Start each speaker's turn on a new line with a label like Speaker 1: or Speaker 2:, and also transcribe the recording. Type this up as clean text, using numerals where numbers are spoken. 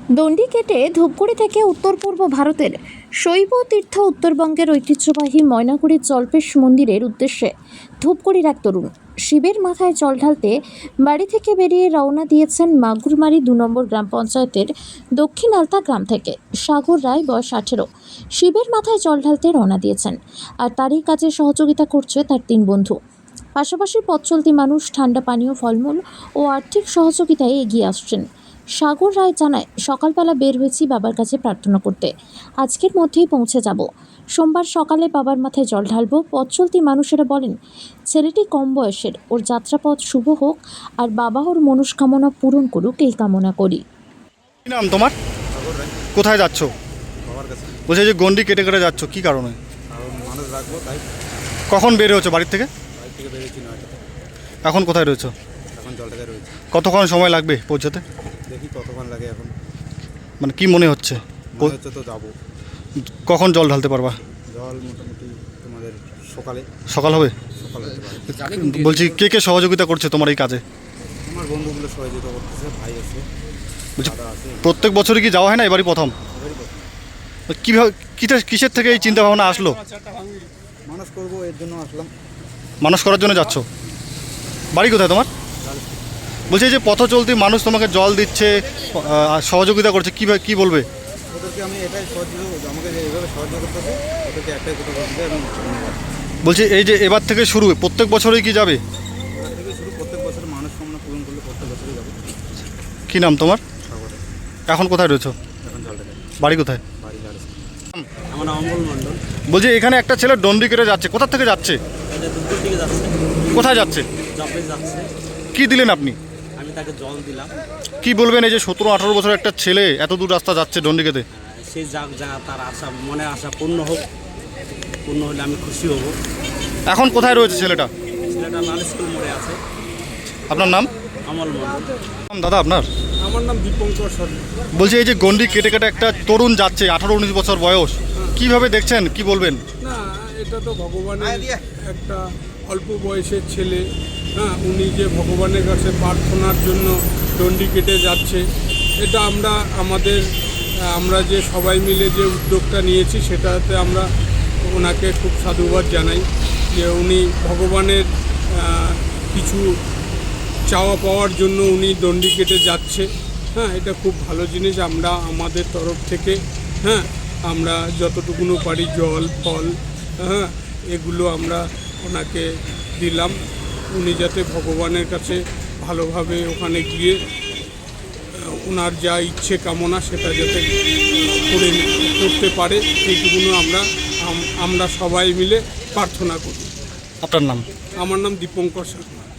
Speaker 1: দণ্ডি কেটে ধূপগুড়ি থেকে উত্তর পূর্ব ভারতের শৈব তীর্থ উত্তরবঙ্গের ঐতিহ্যবাহী ময়নাগুড়ির জল্পেশ মন্দিরের উদ্দেশ্যে ধূপগুড়ির এক তরুণ শিবের মাথায় জল ঢালতে বাড়ি থেকে বেরিয়ে রওনা দিয়েছেন মাগুরমারি ২ নম্বর গ্রাম পঞ্চায়েতের দক্ষিণ আলতা গ্রাম থেকে। সাগর রায় বয়স ১৮ শিবের মাথায় জল ঢালতে রওনা দিয়েছেন, আর তারই কাজে সহযোগিতা করছে তার ৩ বন্ধু। পাশাপাশি পথ চলতি মানুষ ঠান্ডা পানীয়, ফলমূল ও আর্থিক সহযোগিতায় এগিয়ে আসছেন। সাগর রায় জানায়, সকালবেলা বের হয়েছি বাবার কাছে প্রার্থনা করতে, আজকের মধ্যেই পৌঁছে যাব। সোমবার সকালে বাবার মাথায় জল ঢালবো। পথ চলতি মানুষেরা বলেন, ছেলেটি কম বয়সের, ওর যাত্রাপথ শুভ হোক আর বাবা ওর মনস্কামনা পূরণ করুক, এই কামনা করি।
Speaker 2: কি নাম তোমার?
Speaker 3: সাগর রায়।
Speaker 2: কোথায় যাচ্ছ?
Speaker 3: বাবার কাছে।
Speaker 2: বলছে যে গন্ডি কেটে কেটে যাচ্ছ, কি কারণে?
Speaker 3: কারণ মানুষ রাখবো তাই।
Speaker 2: কখন বের হয়েছো বাড়ির থেকে?
Speaker 3: বাড়ি থেকে বেরিয়েছি 9টাতে।
Speaker 2: এখন কোথায় রয়েছো?
Speaker 3: এখন জলটাতে রয়েছে।
Speaker 2: কতক্ষণ সময় লাগবে পৌঁছাতে?
Speaker 3: দেখি কতক্ষণ লাগে এখন।
Speaker 2: মানে কি মনে হচ্ছে?
Speaker 3: মনে হচ্ছে তো যাবো।
Speaker 2: কখন জল ঢালতে পারবা?
Speaker 3: জল মোটামুটি তোমাদের সকালে
Speaker 2: সকাল হবে?
Speaker 3: সকালে হতে পারে।
Speaker 2: বলছি কে কে সহযোগিতা করছে তোমার এই কাজে?
Speaker 3: আমার বন্ধুগুলো সহযোগিতা করতেছে, ভাই আছে,
Speaker 2: বলছি
Speaker 3: দাদা আছে।
Speaker 2: প্রত্যেক বছরই কি যাওয়া হয় না, এবারই প্রথম?
Speaker 3: এবারই করতে।
Speaker 2: কীভাবে কিসের থেকে এই চিন্তা ভাবনা আসলো?
Speaker 3: মানুষ করবো এর জন্য আসলাম।
Speaker 2: মানুষ করার জন্য যাচ্ছ? বাড়ি কোথায় তোমার? বলছি এই যে পথ চলতি মানুষ তোমাকে জল দিচ্ছে, সহযোগিতা করছে, কি বলবে?
Speaker 3: ওদেরকে আমি এটাই সহযোগিতা, আমাকে যে এইভাবে সহযোগিতা করতেছে ওদেরকে একটাই কথা বলতে এবং ধন্যবাদ।
Speaker 2: বলছি এই যে এবার থেকে শুরু, প্রত্যেক বছরই কি যাবে?
Speaker 3: এবার থেকে শুরু, প্রত্যেক বছর মানুষ কামনা পূরণ করলে প্রত্যেক বছরই যাবো।
Speaker 2: কি নাম তোমার?
Speaker 3: সাগরে।
Speaker 2: এখন কোথায় রয়েছো?
Speaker 3: এখন জলটাতে
Speaker 2: বাড়ি কোথায়?
Speaker 3: বাড়ি যাচ্ছে। আমার নাম অমল মণ্ডল।
Speaker 2: বলছি এখানে একটা ছেলে ডন্ডি কেটে যাচ্ছে, কোথা থেকে যাচ্ছে?
Speaker 4: এটা দুপুর দিকে যাচ্ছে,
Speaker 2: কোথায় যাচ্ছে?
Speaker 4: জবে যাচ্ছে।
Speaker 2: কি দিলেন আপনি?
Speaker 4: আমি তাকে জল দিলাম।
Speaker 2: কি বলবেন এই যে 17-18 বছরের একটা ছেলে এত দূর রাস্তা যাচ্ছে ডন্ডি কেটে?
Speaker 4: সে যাক জায়গা, তার আশা, মনের আশা পূর্ণ হোক। পূর্ণ হলে আমি খুশি হব।
Speaker 2: এখন কোথায় রয়েছে ছেলেটা?
Speaker 4: ছেলেটা লাল স্কুল মোড়ে আছে।
Speaker 2: আপনার নাম?
Speaker 4: অমল মণ্ডল।
Speaker 2: দাদা আপনার?
Speaker 5: আমার নাম দীপঙ্কর সরকার।
Speaker 2: বলছি এই যে গন্ডি কেটে কেটে একটা তরুণ যাচ্ছে, 18-19 বছর বয়স, কিভাবে দেখছেন, কি বলবেন?
Speaker 5: না, এটা তো ভগবানের একটা অল্প বয়সের ছেলে। হ্যাঁ, উনি যে ভগবানের কাছে প্রার্থনার জন্য ডন্ডি কেটে যাচ্ছে, এটা আমরা যে সবাই মিলে যে উদ্যোগটা নিয়েছি সেটাতে আমরা ওনাকে খুব সাধুবাদ জানাই যে উনি ভগবানের কিছু চাওয়া পাওয়ার জন্য উনি ডন্ডি কেটে যাচ্ছে। হ্যাঁ, এটা খুব ভালো জিনিস। আমরা আমাদের তরফ থেকে আমরা যতটুকুনো পারি জল, ফল, এগুলো আমরা ওনাকে দিলাম। উনি যাতে ভগবানের কাছে ভালোভাবে ওখানে গিয়ে ওনার যা ইচ্ছে কামনা সেটা যাতে করতে পারে, এইটুকুনো আমরা সবাই মিলে প্রার্থনা করি।
Speaker 2: আপনার নাম?
Speaker 5: আমার নাম দীপঙ্কর শর্মা।